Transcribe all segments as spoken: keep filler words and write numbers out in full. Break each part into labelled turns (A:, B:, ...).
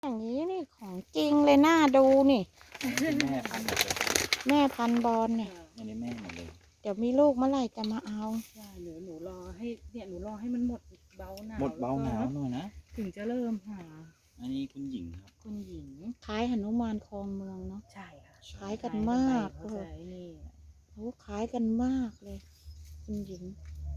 A: อย่างนี้นี่ของจริงเลยน่าดูนี่
B: แม่พันธุ์หมดเลย
A: แม่พันธุ์บอลเนี่ย
B: อันนี้แม่หมดเลย
A: เดี๋ยวมีลูกเมื่อไหร่จะมาเอา
C: ใช่หนูหนูรอให้เนี่ยหนูรอให้มันหมดเบาหนาว
B: หมดเบาหนาว
C: แล้
B: หน่อยนะ
C: ถึงจะเริ่มหา
B: อันนี้คุณหญิงครับ
C: คุณหญิง
A: คล้ายหนุมานคลองเมืองเนาะ
C: ใช่ค่ะ
A: คล้ายกันมาก
C: เขา
A: เล
C: จะ
A: ย
C: ไอ้นี่
A: โอ้คล้ายกันมากเลย คุณหญิง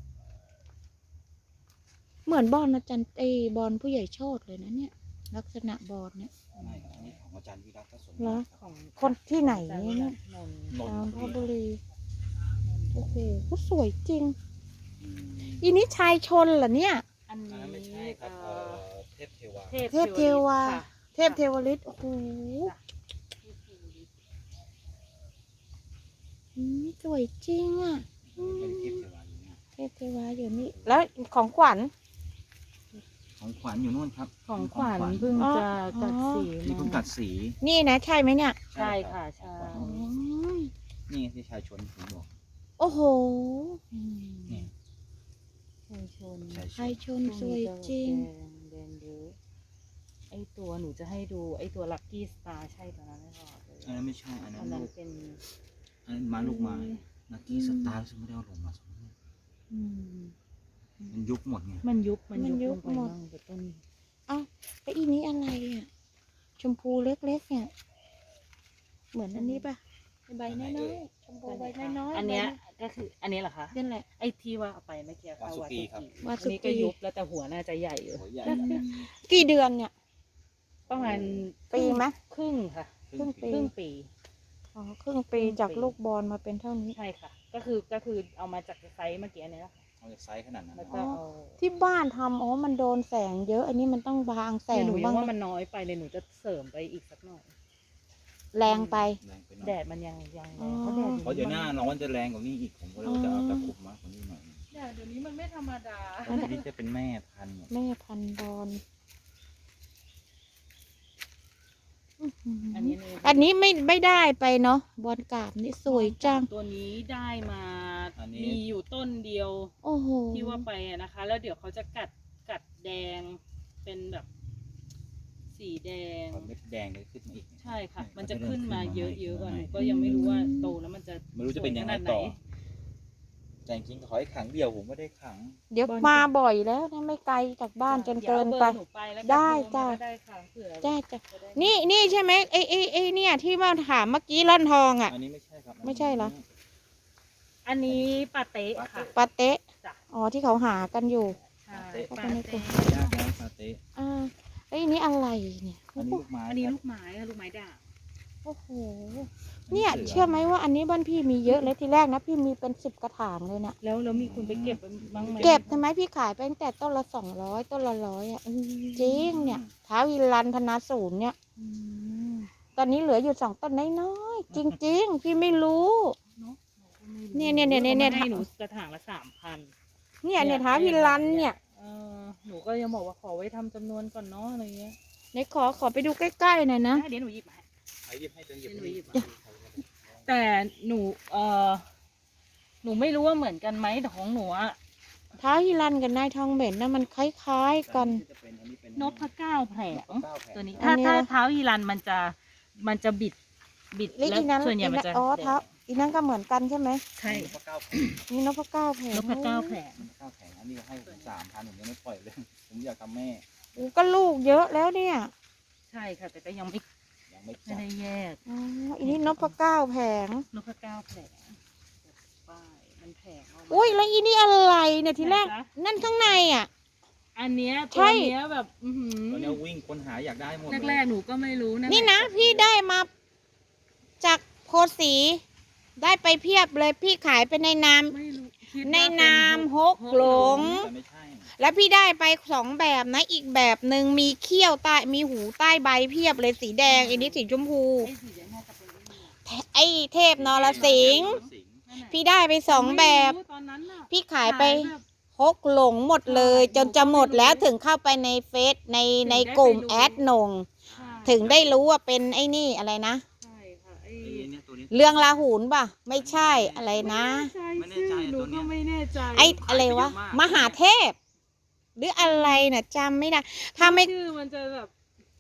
A: เหมือนบอลอาจารย์เอบอลผู้ใหญ่โชติเลยนะเนี่ย ลักษณะบอลเนี่ย
B: ไม่ครับอันนี้ของอาจารย์วิรัตก็สม
A: เหรอ
C: ของ
A: คนที่ไหน
C: อาจารย์
A: เนี่ย
C: นนท์
B: นน
A: ตาม
B: ท์
A: พบุรีโอ้โหก็สวยจริง
B: อืม
A: อีนี้ชายชนเหรอเนี่ย
C: อัน
B: อันนั้นไม่
C: นี้
B: ใช่ครับ
C: เอ่
B: เอ่
C: อ
B: อเทพเทวา
C: เทพ
A: เทพเทวา
C: ค่ะ
A: เทพเทวฤทธิ์โอ้โห
C: เทพเทวฤทธิ์
A: อืมสวยจริงอ่ะอืม
B: เป็นเทพเทวาอยู่เนี่ย
A: เทพเทวาอยู่นี่ แล้วของขวัญ
B: ของขวัญอยู่นู่นครับ
C: ของขวัญเพิ่ง
A: อ๋อ
C: จะกัดสี
B: นี่เพิ่งกัดสี
A: นี่นะใช่ไหมเนี่ย
C: ใช่ค่ะ
B: รั
C: ใช่
B: บของข
A: อ๋
B: วัญ
A: อ
B: นี่ที่ชายชนผมบอก
A: โอ้โห
C: อืม
B: นี่
C: ชายชน
B: ชาย
A: ชายชนสวยจริง
C: แดงแดงเยอะไอตัวหนูจะให้ดูไอตัวลัคกี้สตาร์ใช่ตัวนั้นไม่พอเลย
B: อันนั้นไม่ใช่อันนั้
C: อั
B: น
C: นนั้น
B: ลูก
C: เป็น
B: อันนั้นมาลูกไม้นักกี้สตาร์ซึ่งไม่ได้เอาลงมาสมมติ
C: อืม
B: มันยุบหมดไง
C: มันยุบมัน
A: มันยุ
C: ยุ
A: บบ
C: ลงไป
A: หมด
C: บ้างแต่ต้น
A: เอ้าแล้วอีนี้อะไรอ่ะ ชมพูเล็กๆเนี่ย เหมือนอันนี้ป่ะใบน้อยๆชมพูใบน้อยๆ
C: อันเนี้ย
A: ใบ
C: ก็คืออันนี้เหรอคะ
A: นั่นแหละ
C: ไอที่ว่าเอาไปเมื่อกี้ค่ะ
B: วาสุกีครับ
A: วาสุ
C: อัน
A: กี
C: นี้ก็ยุบแล้วแต่หัวน่าจะใหญ่อยู่
B: หัวใหญ่
A: กี่เดือนเนี่ย
C: ประมาณ
A: ปีไหม
C: ครึ่งค่ะ
A: ครึ่งปี
C: ครึ่งปี
A: อ๋อครึ่งปีจากลูกบอลมาเป็นเท่านี้
C: ใช่ค่ะ ก็คือก็คือเอามาจากไซส์เมื่อกี้เนี่ยนะคะ
B: เอาจากไซส์ขนาดนั้น
C: แล้ว
B: นะ
C: ก็เอา
A: ที่บ้านทำอ๋อ มันโดนแสงเยอะ อันนี้มันต้องบางแส
C: เดี๋ยว
A: ง
C: หนูยั
A: บ้าง ง
C: ว่ามันน้อยไปเลยหนูจะเสริมไปอีกสักหน่อย
A: แรงไป
B: แรงไปหน่อย
C: แดดมันยังยัง
A: อ๋อ
C: เพราะแดด
B: เพราะเดี๋ยวหน้าร้อนจะแรงกว่านี้อีกผมก็เลยว่าจะเอาตะคุบมากกว่านี้หน่อย
C: แดดเดี๋ยวนี้มันไม่ธรรมดา
B: ตอนนี้จะเป็นแม่พันธุ์หมด
A: แม่พันธุ์บอล
C: อันนี้นี่
A: อันนี้ไม่ไม่ได้ไปเนาะบอลกราบนี่สวยจัง
C: ตัวนี้ได้มา
B: อันนี้
C: มีอยู่ต้นเดียว
A: โอ้โห
C: ที่ว่าไปอะนะคะ แล้วเดี๋ยวเขาจะกัดกัดแดงเป็นแบบ สีแดง
B: พอเม็ดแดงเลยขึ้นมาอีก
C: ใช่ค่ะ มันจะขึ้นมาเยอะๆกว่าหนูก็ยังไม่รู้ว่าโตแล้วมันจะ
B: ไม่รู้จะเป็นยังไง
C: สวขนาดห
B: ต่อ แต่จริงๆขอให้ขังเดียวผมไม่ได้ขัง
A: เดี๋ยวมาบ่อยแล้วนะไม่ไกลจากบ้านจนเกินไป
C: ดี๋ยวอาบอร์หนูไปแล้ว
A: ได้
C: โทรมา
A: จ้ะ
C: ก็ได้ค่ะเผื่อ
A: ได้จ้ะ
C: จะได้
A: นี่นี่ใช่ไหมไอ้ไอ้ไอ้เนี่ยที่ว่าถามเมื่อกี้ร่อนทองอ่ะ
B: อันนี้ไม่ใช่ครับ
A: ไม่ใช่เหรอ
C: อันนี้ปาเต้ค่ะ
A: ปาเต๊ะ
C: จ้ะ
A: อ๋อที่เขาหากันอยู่
C: ใช่
A: ปา
C: ปา
A: เต้
C: เต้
B: ยากนะซาเต้
A: อ่าไอ้ยนี่อะไรเนี่ย
B: อันนี้ลูกไม้
C: อันนี้
B: ครับ
C: ลูกไม้ค่ะลูกไม้ด่าง
A: โอ้โหเนี่ยเชื่อไหมว่าอันนี้บ้านพี่มีเยอะเลยทีแรกนะพี่มีเป็นสิบกระถางเลยเนี่ย
C: แล้วแล้วมีคนไปเก็บบ้างไหม
A: เก็บทำไมพี่ขายไปตั้งแต่ต้นละสองร้อยต้นละร้อยอ่ะอืมจริงเนี่ยท้าวิรันพนาศูนย์เนี่ย
C: อืม
A: ตอนนี้เหลืออยู่สองต้นน้อยๆจริง ๆ พี่ไม่รู้
C: เนอะหก็ไม่รู้
A: เนี่ยเนี่ยเนี่ยเนี่ย
C: ขามาให้หนูกระถางละสามพัน
A: เนี่ยเนี่ยท้าวิรันเนี่ย
C: เออหนูก็ยังบอกว่าขอไว้ทำจำนวนก่อนเนาะอะไรเงี้ย
A: ไหนขอขอไปดูใกล้ๆหน่อยนะ
C: ได้เดี๋ยวหนูหยิบให้
B: ใครหยิบให้จนหยิบ
C: เป็นหนูหยิบ
B: ให้
C: แต่หนูเออหนูไม่รู้ว่าเหมือนกันไหมแต่ของหนูอะ
A: ท้าวิรันกับนายทองเหม็นนะมันคล้ายๆกัน
B: จะเป็นอันนี้เป็น
C: นพเก้าแผง
B: นพเก้าแผง
C: ตัวนี้
A: อั
C: ถ้าน
A: นี้
C: ถ้า
A: นะ
C: เท้าอีรันมันจะมันจะบิดบิด
A: แล้ว
C: แล้ว
A: อีนั้น
C: ส่วนใหญ่
A: อี
C: มัน
A: นั้น
C: จะ
A: อ๋อท้าอีนั้นก็เหมือนกันใช่ไหม
C: ใช่
B: นพเก้าแผง
A: นี่นพเก้าแผง
C: นพเก้าแผง
B: นพเก้าแผงอันนี้ให้ผมสามพันผมยังไม่ปล่อยเลย ผมอยากทำแม่
A: โอ้ก็ลูกเยอะแล้วเนี่ย
C: ใช่ค่ะ แต่ก็ยังไม่
B: ยังไม่
C: ไม่
B: จับ
C: ได้แยก
A: อ๋ออีนี่นพเก้าแผง
C: นพเก้าแผงป้ายมันแผงออกมา
A: อุ้ยแล้วอีนี่อะไรเนี่ยทีแรก
C: ไหนจ๊ะ
A: นั่นข้างในอ่ะ
C: อันเนี้ย
A: ใช่
C: ตัวเนี้ยแบบอือหื
B: ตอนนี้
C: อ
B: วิ่งค้นหาอยากได้หมด
C: แรกๆหนูก็ไม่รู้นะ
A: นี่นะพี่ได้มาจากโพสี ได้ไปเพียบเลยพี่ขายไปในนาม
C: ไม่รู้คิด
A: ใน
C: ว่าเป็น
A: นามฮก
C: ฮก
A: หลง
B: แต่ไม่ใช่
A: แล้วพี่ได้ไปสองแบบนะ อีกแบบหนึ่งมีเขี้ยวใต้มีหูใต้ใบเพียบเลยสีแดงอันนี้สีชมพู
C: ไอ้สีแดงน่าจะเป็นไอ้นี่
A: ไอ้เทพนรสิงห์
B: สิงห์
C: นั่นน่ะ
A: พี่ได้ไปสองแบบ
C: ไม่รู้ตอนนั้นน่ะ
A: พี่ขายไป
C: แบบ
A: ฮกหลงหมดเลย จนจะหมดแล้วถึงเข้าไปในเฟซในในกลุ่มแอดหนง
C: ใช่
A: ถึงได้รู้ว่าเป็นไอ้นี่อะไรนะ
C: ใช่ค่ะไอ้
B: ไอ้เนี่ยตัวนี้
A: เรื่องลาหูนป่ะ ไม่ใช่อะไรนะ
C: ไม่แน่ใจชื่อหนูก็ไม่แน่ใจ
A: ไอ้อะไรวะ มหาเทพ หรืออะไรน่ะจำไม่ได้ ถ้าไม่
C: ชื่อมันจะแบบ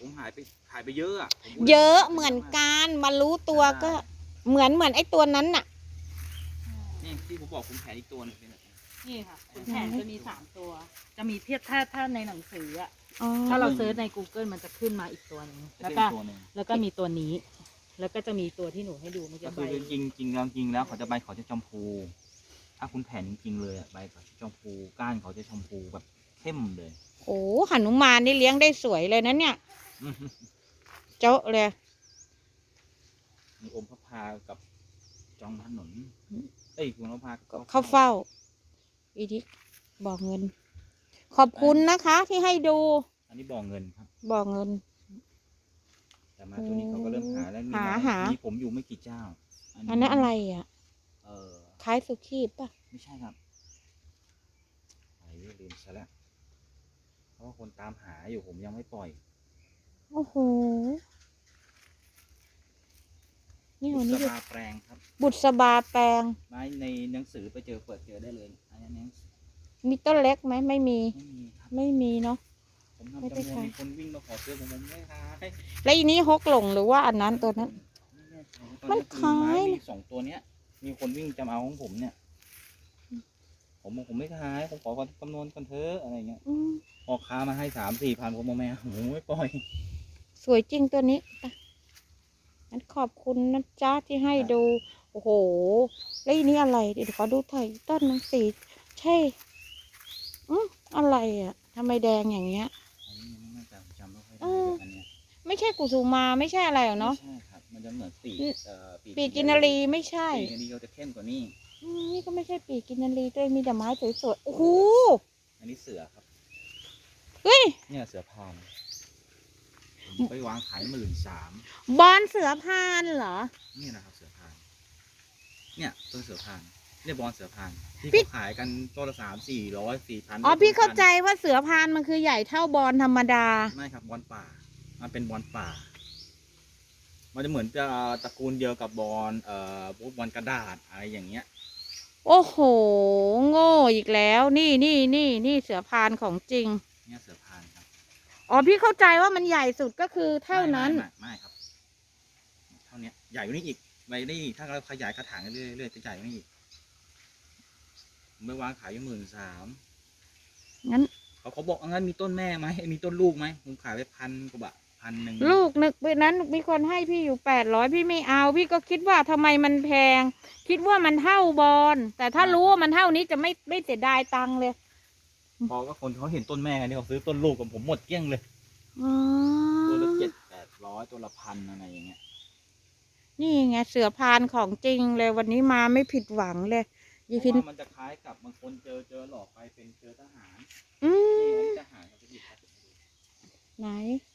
B: ผมหายไปหายไปเยอะอะผม
A: เยอะเหมือนกันมารู้ตัวก็เหมือนเหมือนไอ้ตัวนั้นน่ะ
B: นี่ที่ผมบอกคุณแผนอีกตัวหนึงเป็นแบบนี้
C: นี่ค่ะคุณแผนจะมีสามตัว จะมีเทียบถ้าถ้าในหนังสืออะ
A: อ๋อ
C: ถ้าเราเซิร์ชใน Google มันจะขึ้นมาอีกตัวหนึง
B: แล้
C: แล้ว ว
B: ก็
C: ก็
B: ตัวหนึ่ง
C: แล้วก็มีตัวนี้ แล้วก็จะมีตัวที่หนูให้ดูเมื่อ
B: ก็
C: กี้
B: คื
C: ใบ
B: อจริงจริงๆจริงแล้วเขาจะใบเขาจะชมพู ถ้าคุณแผนจริงๆเลยอะใบเขาจะชมพูก้านเขาจะชมพูแบบเข้มเลย
A: โอ้หนุมานนี่เลี้ยงได้สวยเลยนะเนี่ย เจ้าเลย
B: มีอมพระพากับจองถนนเอ้ยคุณพระพากับ
A: เข้าเฝ้า อีทิกบอกเงิน ขอบคุณนะคะที่ให้ดู
B: อันนี้บ่อเงินครับ
A: บอกเงิน
B: แต่มาตัวนี้เขาก็เริ่มหาแล้วมี
A: หา
B: มา
A: หา
B: มีผมอยู่ไม่กี่เจ้า
A: อันนั้นอะไรอ่ะ
B: เออ
A: คล้ายสุขีป่ะ
B: ไม่ใช่ครับไอ้ลืมซะแล้วเพราะว่าคนตามหาอยู่ผมยังไม่ปล่อย
A: โอ้โห นี่
B: บุ
A: วัน
B: ษ
A: นี้
B: บาแปลงครับ
A: บุษบาแปลง
B: ไม้ในหนังสือไปเจอเปิดเจอได้เลยอันนี้หนังสือ
A: มีต้นเล็กไหมไม่มี
B: ไม่มีครับ
A: ไม่มีเนาะ
B: ผม
A: ไม่
B: ทำ
A: ได้
B: จำนวน
A: ขาย
B: มีคนวิ่งมาขอซื้อผมผมไม่ขาย
A: แล้วอีนี้ฮกหลงหรือว่าอันนั้นตัวนั้น
B: ไม่แน่ใจ
A: มัน
B: ตอคือไม้
A: ขาย
B: มีสองตัวเนี้ย มีคนวิ่งจะมาเอาของผมเนี่ย ผมบอกผมไม่ขายผมขอคำนวณกันเถอะอะไรเงี้ย
A: อืม
B: พอค้ามาให้สามสี่พันผมบอกไม่เอาผมไม่ปล่อย
A: สวยจริงตัวนี้ไปงั้นขอบคุณนะจ๊ะที่ให้ดู โอ้โห แล้วอีนี้อะไร เดี๋ยวขอดูถ่ายต้นหนังสีใช่อืมอะไรอ่ะทำไมแดงอย่างเงี้ย
B: อันนี้ยังไม่แน่ใจผมจำไม่ค่อยได้
A: เออ
B: อันเนี้ย
A: ไม่ใช่กุสุมาไม่ใช่อะไรหรอกเนาะ
B: ไม่ใช่ครับ มันจะเหมือนปีกเอ่อ
A: ปีกินนารีไม่ใช่
B: ปีกกินนารีเขาจะเข้มกว่านี้
A: อืมนี่ก็ไม่ใช่ปีกินนารีด้วยมีแต่ไม้สวยๆโอ้โห
B: อันนี้เสือครับ
A: เฮ้ย
B: เนี่ยเสือพานผมไปวางขายหมื่นสาม
A: บอลเสือพานเหรอ
B: นี่นะครับเสือพาน เนี่ยต้นเสือพานเนี่ยบอลเสือพานที่
A: พี่
B: เขาขายกันต้นละสามสี่ร้อยสี่พัน
A: อ๋อพี่เข้าใจว่าเสือพานมันคือใหญ่เท่าบอลธรรมดา
B: ไม่ครับบอลป่า มันเป็นบอลป่า มันจะเหมือนจะตระกูลเดียวกับบอลเอ่อพวกบอลกระดาษอะไรอย่างเงี้ย
A: โอ้โห โง่อีกแล้ว นี่นี่นี่นี่เสือพานของจริง
B: เนี่ยเสือพานครับ
A: อ๋อพี่เข้าใจว่ามันใหญ่สุดก็คือเท่านั้น
B: ไม่ไม่ไม่ไม่ครับ เท่านี้ใหญ่กว่านี้อีกไปได้อีกถ้าเราขยายกระถางเรื่อยๆเรื่อยๆจะใหญ่กว่านี้อีกผมไปวางขายอยู่หมื่นสาม
A: งั้น
B: เขาเขาบอกงั้นมีต้นแม่ไหมมีต้นลูกไหมผมขายไปพันกว่าบาทพันหนึ่ง
A: ลูกนึกไปนั้นมีคนให้พี่อยู่แปดร้อยพี่ไม่เอา พี่ก็คิดว่าทำไมมันแพง คิดว่ามันเท่าบอลแต่ถ้ารู้ว่ามันเท่านี้จะไม่ไม่เสียดายตังค์เลย
B: พอก็คนเขาเห็นต้นแม่กันนี่เขาซื้อต้นลูกกับผมหมดเกลี้ยงเลย
A: อ๋อ
B: ตัวละเจ็ดแปดร้อยตัวละพันอะไรอย่างเงี้ย
A: นี่ไงเสือพานของจริงเลยวันนี้มาไม่ผิดหวังเลย
B: เพ
A: ยี
B: ราะ
A: พิน
B: ว่ามันจะคล้ายกับบางคนเจอเจอหลอกไปเป็นเจอทหาร
A: อื
B: นี่
A: ม
B: อันนี้ทหารเขาจะหยิบไป
A: ไหน